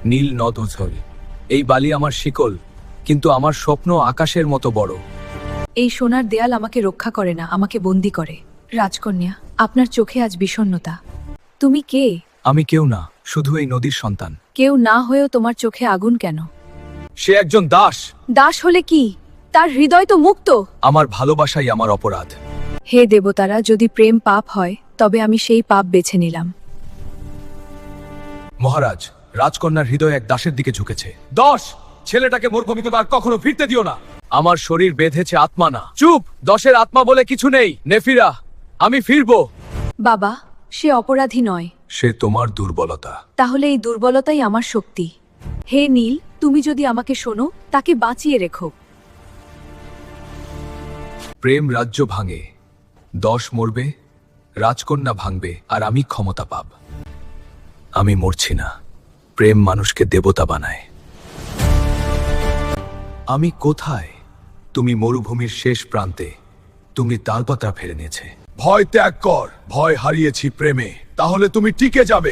নীল নদ উছল। এই বালি আমার শিকল, কিন্তু আমার স্বপ্ন আকাশের মতো বড়। এই সোনার দেয়াল আমাকে রক্ষা করে না, আমাকে বন্দি করে। রাজকন্যা, আপনার চোখে আজ বিষণ্ণতা। তুমি কে? আমি কেউ না, শুধু এই নদীর সন্তান। কেউ না হয়েও তোমার চোখে আগুন কেন? সে একজন দাস। দাস হলে কি? তার হৃদয় তো মুক্ত। আমার ভালোবাসাই আমার অপরাধ। হে দেবতারা, যদি প্রেম পাপ হয় তবে আমি সেই পাপ বেছে নিলাম। মহারাজ, রাজকন্যার হৃদয় এক দাসের দিকে ঝুঁকেছে। দশ, ছেলেটাকে মরুভূমিতে আর কখনো ফিরতে দিও না। আমার শরীর বেঁধেছে, আত্মা না। চুপ, দশের আত্মা বলে কিছু নেই। নেফিরা, আমি ফিরবো। বাবা, সে অপরাধী নয়। সে তোমার দুর্বলতা। তাহলে এই দুর্বলতাই আমার শক্তি। হে নীল, তুমি যদি আমাকে শোনো, তাকে বাঁচিয়ে রেখো। প্রেম রাজ্য ভাঙে, দশ মরবে, রাজকন্যা ভাঙবে, আর আমি ক্ষমতা পাব। আমি মরছি না, প্রেম মানুষকে দেবতা বানায়। আমি কোথায়? তুমি মরুভূমির শেষ প্রান্তে, তুমি তালপাতা ফেলে নিয়েছে। ভয় ত্যাগ কর, ভয় হারিয়েছি প্রেমে, তাহলে তুমি টিকে যাবে।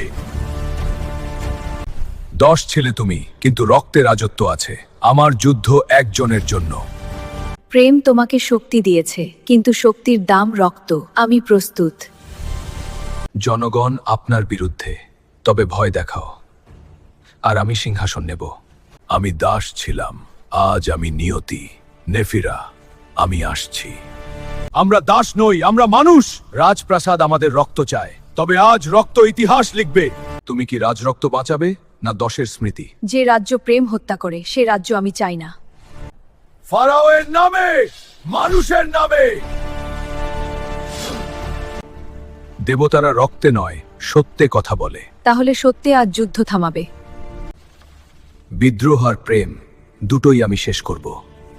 দশ ছেলে তুমি, কিন্তু রক্তে রাজত্ব আছে। আমার যুদ্ধ একজনের জন্য। প্রেম তোমাকে শক্তি দিয়েছে, কিন্তু শক্তির দাম রক্ত। আমি প্রস্তুত। জনগণ আপনার বিরুদ্ধে, তবে ভয় দেখাও, আর আমি সিংহাসন নেব। আমি দাস ছিলাম, আজ আমি নিয়তি। নেফিরা, আমি আসছি। আমরা দাস নই, আমরা মানুষ। রাজপ্রাসাদ আমাদের রক্ত চায়। তবে আজ রক্ত ইতিহাস লিখবে। তুমি কি রাজরক্ত বাঁচাবে, না দশের স্মৃতি? যে রাজ্য প্রেম হত্যা করে, সে রাজ্য আমি চাই না। ফারাওয়ের নামে, মানুষের নামে। দেবতারা রক্তে নয়, সত্যে কথা বলে। তাহলে সত্যি আজ যুদ্ধ থামাবে। বিদ্রোহ আর প্রেম দুটোই আমি শেষ করব।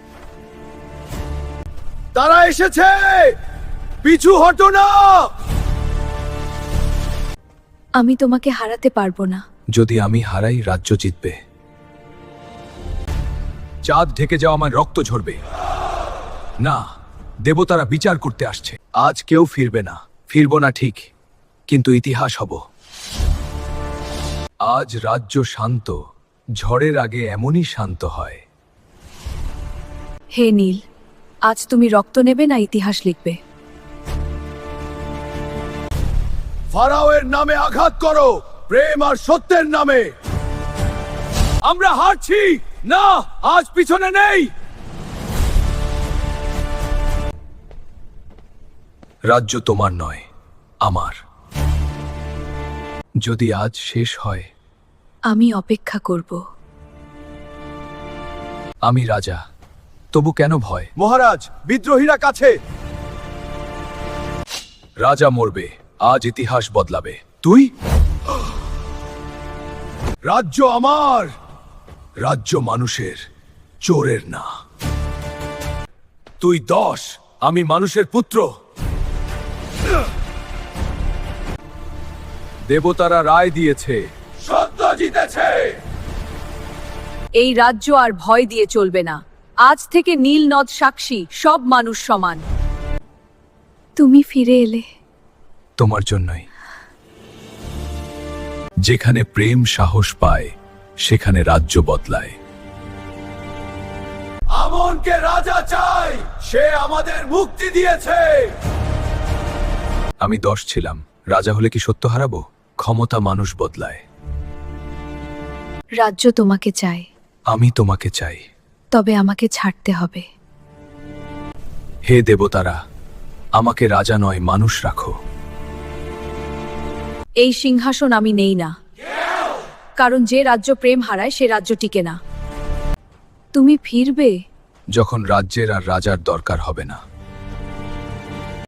তারা এসেছে, পিছু হটো না। আমি তোমাকে হারাতে পারবো না। যদি আমি হারাই, রাজ্য জিতবে। চাঁদ ঢেকে যাওয়া আমার রক্ত ঝরবে না। দেবতারা বিচার করতে আসছে। আজ কেউ ফিরবে না। ফিরব না ঠিক, কিন্তু ইতিহাস হব। আজ রাজ্য শান্ত, ঝড়ের আগে এমনই শান্ত হয়। হে নীল, আজ তুমি রক্ত নেবে না ইতিহাস লিখবে? ফারাওয়ের নামে আঘাত করো, প্রেম আর সত্যের নামে। আমরা হারছি না, আজ পিছনে নেই। রাজ্য তোমার নয়, আমার। যদি আজ শেষ হয়, আমি অপেক্ষা করব। আমি রাজা, তবু কেন ভয়? মহারাজ, বিদ্রোহীরা কাছে। রাজা মরবে, আজ ইতিহাস বদলাবে। তুই? রাজ্য আমার, রাজ্য মানুষের, চোরের না। তুই দশ, আমি মানুষের পুত্র। দেবতারা রায় দিয়েছে, সত্য জিতেছে। এই রাজ্য আর ভয় দিয়ে চলবে না। আজ থেকে নীল নদ সাক্ষী, সব মানুষ সমান। তুমি ফিরে এলে তোমার জন্যই। যেখানে প্রেম সাহস পায়, সেখানে রাজ্য বদলায়। আমনকে রাজা চাই, সে আমাদের মুক্তি দিয়েছে। আমি দশ ছিলাম, রাজা হলে কি সত্য হারাবো? ক্ষমতা মানুষ বদলায়। রাজ্য তোমাকে চায়, আমি তোমাকে চাই। তবে আমাকে ছাড়তে হবে। হে দেবতারা, আমাকে রাজা নয়, মানুষ রাখো। এই সিংহাসন আমি নেই না, কারণ যে রাজ্য প্রেম হারায়, সে রাজ্য টিকে না। তুমি ফিরবে যখন রাজ্যের আর রাজার দরকার হবে না।